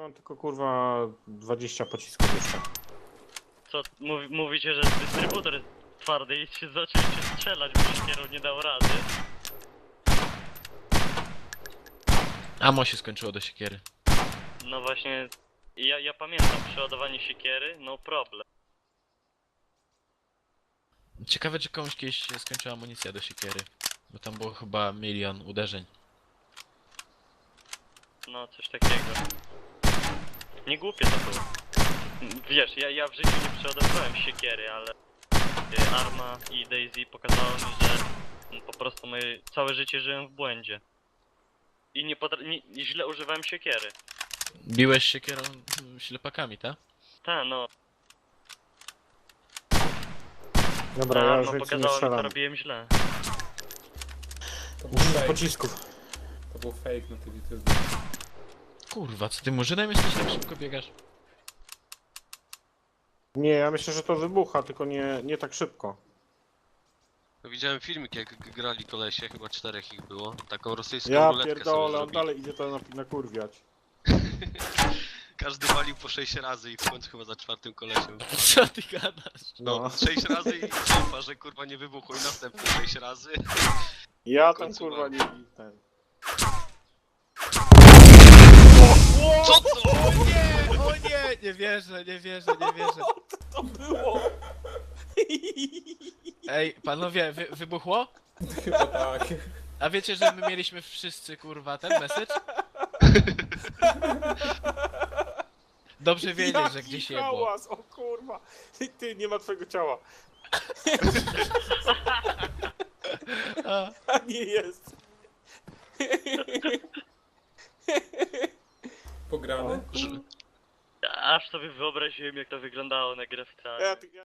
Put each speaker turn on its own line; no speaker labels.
mam tylko kurwa 20 pocisków jeszcze.
Co, mówicie, że dystrybutor jest twardy i się zaczęliście strzelać, bo siekierą nie dał rady.
Amo się skończyło do siekiery.
No właśnie, ja pamiętam przeładowanie siekiery, no problem.
Ciekawe, czy komuś kiedyś się skończyła amunicja do siekiery. Bo tam było chyba 1 milion uderzeń.
No, coś takiego. Nie głupie to było. Wiesz, ja w życiu nie przeładowywałem siekiery, ale Arma i Daisy pokazało mi, że po prostu całe życie żyłem w błędzie. I źle używałem siekiery.
Biłeś siekierą ślepakami, tak?
Ta, no.
Dobra, ja już
Arma
więcej nie
pokazała mi, co
strzelam.
robiłem źle.
To był fake.
Pocisków.
To był fake na tym YouTube.
Kurwa, co ty murzynem jesteś, tak szybko biegasz?
Nie, ja myślę, że to wybucha, tylko nie tak szybko.
Widziałem filmik, jak grali kolesie, chyba 4 ich było. Taką rosyjską
Ja
ruletkę sobie
pierdolę, on
zrobili.
dalej idzie to nakurwiać.
Każdy walił po 6 razy i w końcu chyba za 4 kolesiem.
Co ty gadasz?
No, 6 razy i ciąpa, że kurwa nie wybuchło i następne 6 razy.
Ja
W
tam
końcu
kurwa
mam.
nie ten.
Co to?
O nie! Nie wierzę, nie wierzę, nie wierzę.
To było!
Ej, panowie, wybuchło?
Chyba tak.
A wiecie, że my mieliśmy wszyscy kurwa ten message? Dobrze wiedzieć, że gdzieś jebło.
hałas, o kurwa! Ty, nie ma twojego ciała.
A,
A nie jest.
Pograny.
Aż sobie wyobraziłem, jak to wyglądało na grę w
Ja